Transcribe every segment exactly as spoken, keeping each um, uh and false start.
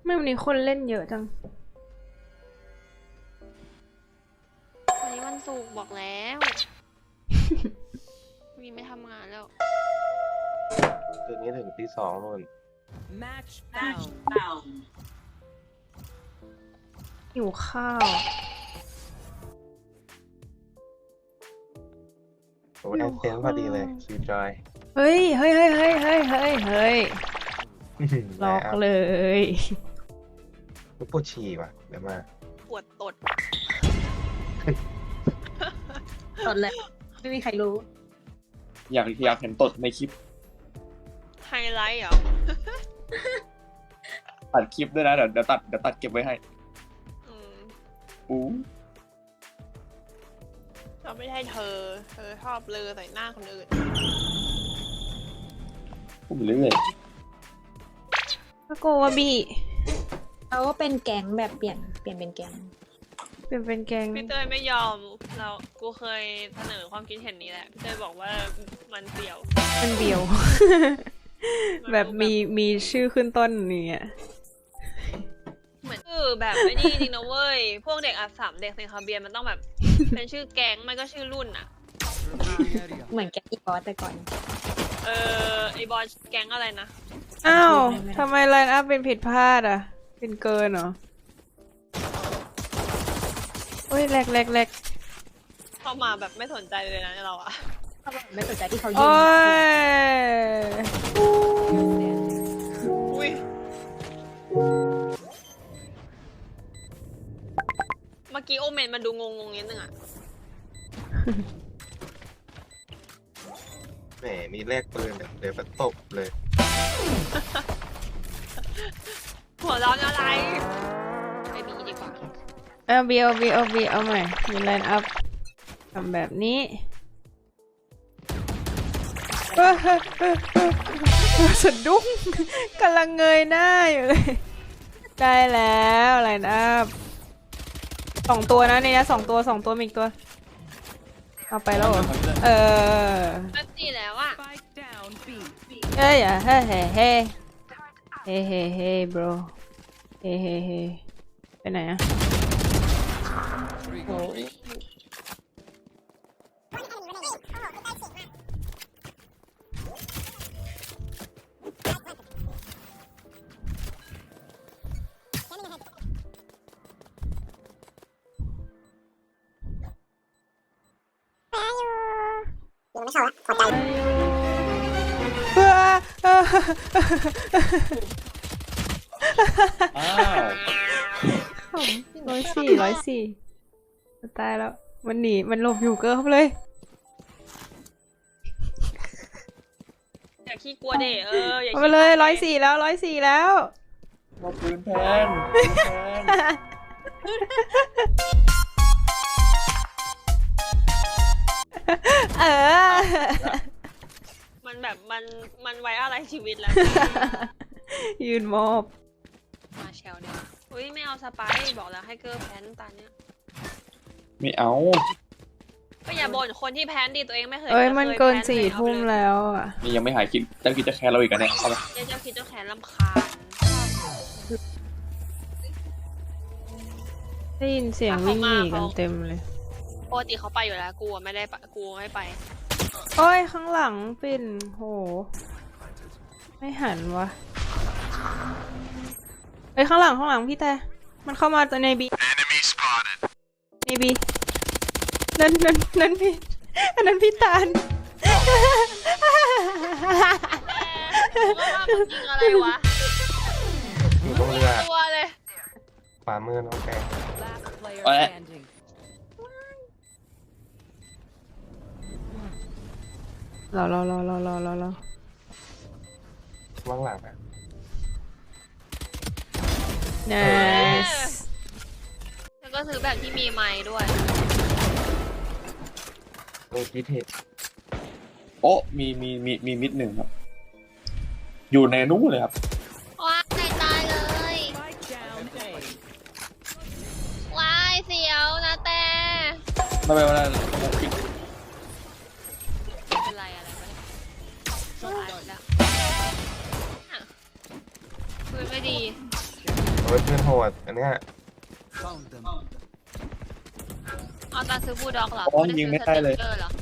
ไม่วันนี้คนเล่นเยอะจังวันนี้วันศุกร์บอกแล้วมีไม่ทำงานแล้วคืนนี้ถึงตีสองนู่น Match found. หิวข้าวโอ้ยแอดเซนพอดีเลยคิวจอยเฮ้ยเฮ้ยเฮ้ยเฮ้ยเฮ้ยเฮ้ยเฮ้ยล็อกเลยลูกปวดฉี่ว่ะเดี๋ยวมาปวดตดตดเลยไม่มีใครรู้อยากอยากเห็นตดในคลิปไฮไลท์เหรอตัดคลิปด้วยนะเดี๋ยวเดี๋ยวตัดเดี๋ยวตัดเก็บไว้ให้อืมอู้เราไม่ใช่เธอ เธอชอบเลอใส่หน้าคนอื่นพูดไปเรื่อยก็โกวาบีเขาก็เป็นแก๊งแบบเปลี่ยนเปลี่ยนเป็นแก๊งเป็นเป็นแกงพี่เตยไม่ยอมเรากูเคยเสนอความคิดเห็นนี้แหละพี่เตยบอกว่ามันเปรี่ยวมันเบียว แบบมีมีชื่อขึ้นต้นเนี่ยเหมือนคือแบบไม่ดีจริงนะเว้ยพวกเด็กอาสามเด็กเซนคาเบียนมันต้องแบบ เป็นชื่อแก๊งมันก็ชื่อรุ่นอะเหมือนแก๊งอีบอสแต่ก่อนเออไอบอลแก๊งอะไรนะอ้าวทำไมไลน์อัพเป็นผิดพลาดอ่ะ เป็นเกินเหรอโอ้ยแหลกแหลกแหลกเข้ามาแบบไม่สนใจเลยนะเราอะเขาบอกไม่สนใจที่เขายิโอ้งยอุ้ยเมื่อกี้โอเมนมันดูงงงๆนิดนึงอะแหมมีแลกปืนเดี๋ยวมาตบเลยหัวร้อนอะไรไปบีดีกว่าเอาบีเอาบีเอาบีเอาใหม่มีไลน์อัพทำแบบนี้สะดุ้งกำลังเงยหน้าอยู่เลย ได้แล้วไลน์อัพสองตัวนะในนี้สองตัวสองตัวมีอีกตัว เอาไปแล้วเหรอเออแป๊บสี่แล้วอะ Spike down B. เฮ้ยอ่ะเฮ้เฮ้เฮ้เฮ้เฮ้เฮ้ bro เฮ้เฮ้เฮ้ไปไหนอะโอ้ยอ้าวร้อยสี่ร้อยสี่ตายแล้วมันหนีมันหลบอยู่เกินเข้าไปเลยอย่าขี้กลัวเด็เอออย่าเอาขี้ไปเลยร้อยสี่แล้วร้อยสี่แล้วมาปืนแพนปืนแพนเออมันแบบมันมันไว้อะไรชีวิตแล้วยืนมอบมาแชลเนี่ยอุ้ยไม่เอาสไปร์บอกแล้วให้เกอร์แพนตาเนี้ยไม่เอาก็อย่าบ่นคนที่แพนดีตัวเองไม่เคยเอ้ยจะมันคเกินแพ้สี่เลยทุ่มเอาไปเลยแล้วอ่ะนี่ยังไม่หายคิดเจ้าคิดจะแคร์เราอีกกันเนี่ยเอาไปเจ้าเจ้าคิดเจ้าแขนลำคาญได้ยินเสียงวิ่งหนีกันเต็มเลยปกติเขาไปอยู่แล้วกูอะไม่ได้ไปกูไม่ไปโอ้ยข้างหลังปิ่นโหไม่หันวะเอ้ยข้างหลังข้างหลังพี่แต่มันเข้ามาในบีในบีนั่นนั่นนั่นพี่อันนั้นพี่ตาลกูว่ามันยิงอะไรวะอยู่ตรงเรือตัวเลยขวามือน้องแก Last player Alright. standing. รอรอรอรอรอรอรอว่างหลังอ่ะ nice แล้วก็ซื้อแบบที่มีไม้ด้วยโอ้คิดเห็นโอ้มีมีมีมีมิดหนึ่งครับ อยู่ในนู้นเลยครับว้ายตายเลย Spike down A. ว้ายเสียวนะแต่ไม่เป็นไรผมปิดเป็นไรอะไรวะตายแล้วอ่ะปืนไม่ดีโอ้อ้ยเพื่อนโหดอันเนี้ยเอาตาซื้อบูลด็อกเหรออ๋อยิงไม่ได้เลยสติ๊กกอร์หรอ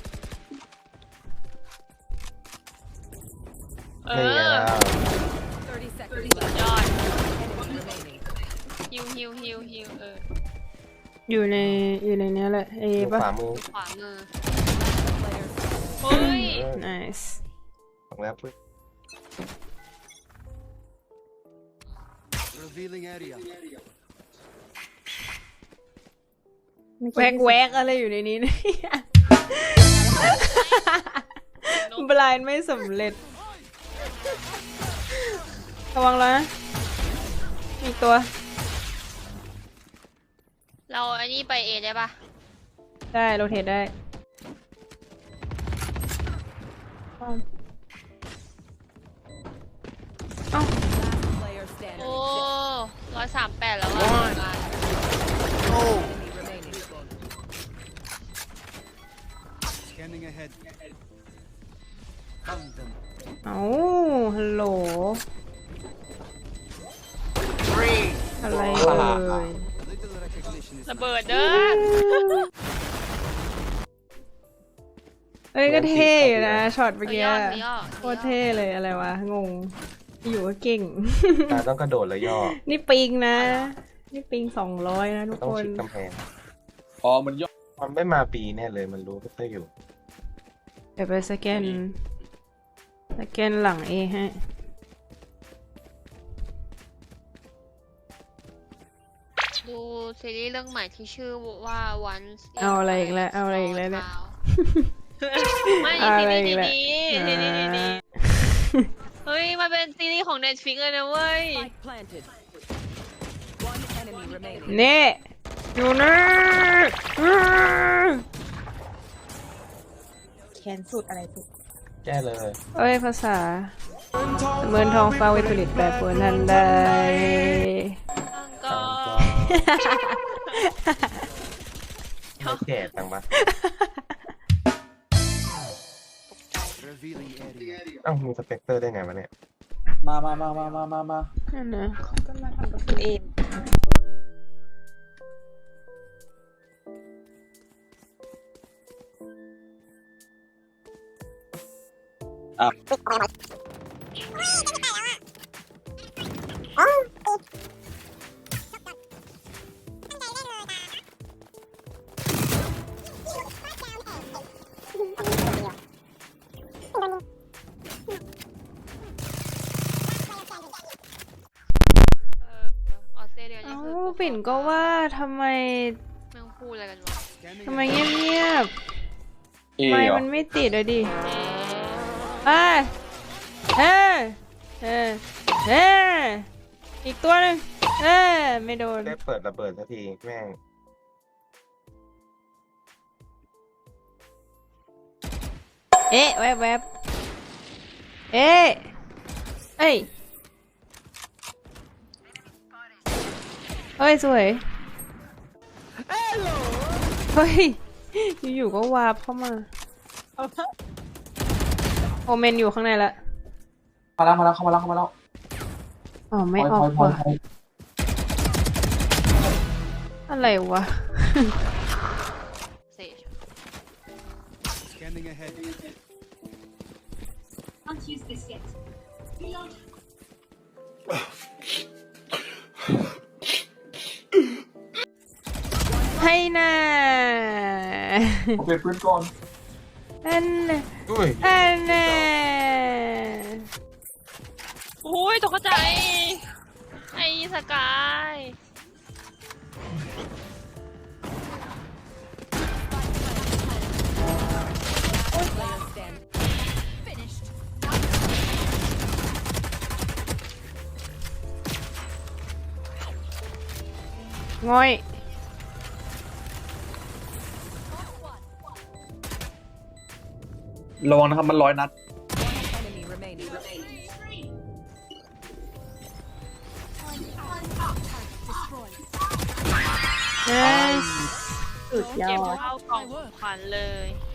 เอนี่ไงอล่ะ thirty seconds สุด left. ยอด Enemy remaining. ฮิวฮิวฮิวฮิวเอออยู่ในอยู่ในเนี้ยแหละเออยู่ป่ะขวามือขวามือ Player เฮ้ยเออ nice ของแล้วปึ๊บ Revealing area. แวกแวกอะไรอยู่ในนี้เนี่ย บลายไม่สำเร็จ ระวังแล้วนะมีตัวเราอันนี้ไปเอได้ปะได้โรเทตได้ last player standing. โอ้ร้อยสามแปดแล้วอะ Enemy remaining. Scanning ahead. Found them. เอ้าฮัลโหล อะไรเอ่ย Little recognition is ระเบิดเด้อเอ้ยก็เท่อยู่นะช็อตเมื่อมีกี้ยอดมียอดโคตรเท่เลยอะไรวะ งง อยู่ก็เก่งตาต้องกระโดดแล้วย่อนี่ปิงนะ นี่ปิงสองร้อยนะทุกต้องคนชิดกำแพงอ๋อมันย่อมันไม่มาปีแน่เลยมันรู้ก็จะอยู่เดี๋ยวไปสแกน สแกนหลังเอให้ดูซีรีส์เรื่องใหม่ที่ชื่อว่า Once เอาอะไรอีกแล้วเอาอะไรอีกแล้วเนี่ยไม่เอาซีอะไรรีส์อีกแล้วดีๆซีรีส์ดีๆเฮ้ยมันเป็นซีรีส์ของ Netflix เลยนะเว้ย Spike planted. One enemy remaining. เน่อยู่นะอื้อแขนสุดอะไรสุดแก้เลยเอ้ย ภาษาเหมือนทองฟ้าวิปริตแปรปรวนทันใดก็ไม่แก่จังปะ revealing area. เอ้ามีสเปกเตอร์ได้ไงวะเนี่ยมามามามามามามานั่นนะก็มาทำกับตัวเองอ่ะเออออสเตรเลียนี่เอ้าคือปิ่นก็ว่าทำไมแม่งพูดอะไรกันวะ Scanning ทำไมเงียบเอๆไม่เหรอมันไม่ติดอะดิเอ๊ะเอ้ยเอ้ยเอ้ยเอ้ยอีกตัวหนึ่งเอ้ยไม่โดนได้เปิดระเบิดสักทีแม่งเอ๊ะแวบแวบเอ๊ะเอ้ยเฮ้ย สวยเฮ้ย อยู่ๆก็วาร์ปเข้ามาโอเมนอยู่ข้างในละมาแล้วมาแล้วเข้ามาแล้วเข้ามาแล้วอ๋อไม่ออกพลอยว่ะพลอยอะไรวะเซจ Scanning ahead. Can't use this yet. ให้น่าผมเป็นพื้นก่อนอันน่ะอุ้ยอันน่ะโอ้ยตกใจ ไอ้สกาย Player standing. ง่อยระวังนะครับมันร้อยนัด Enemy remaining. เอ้ยสุดยอเก็บดเข้ากล่องขวัญเลย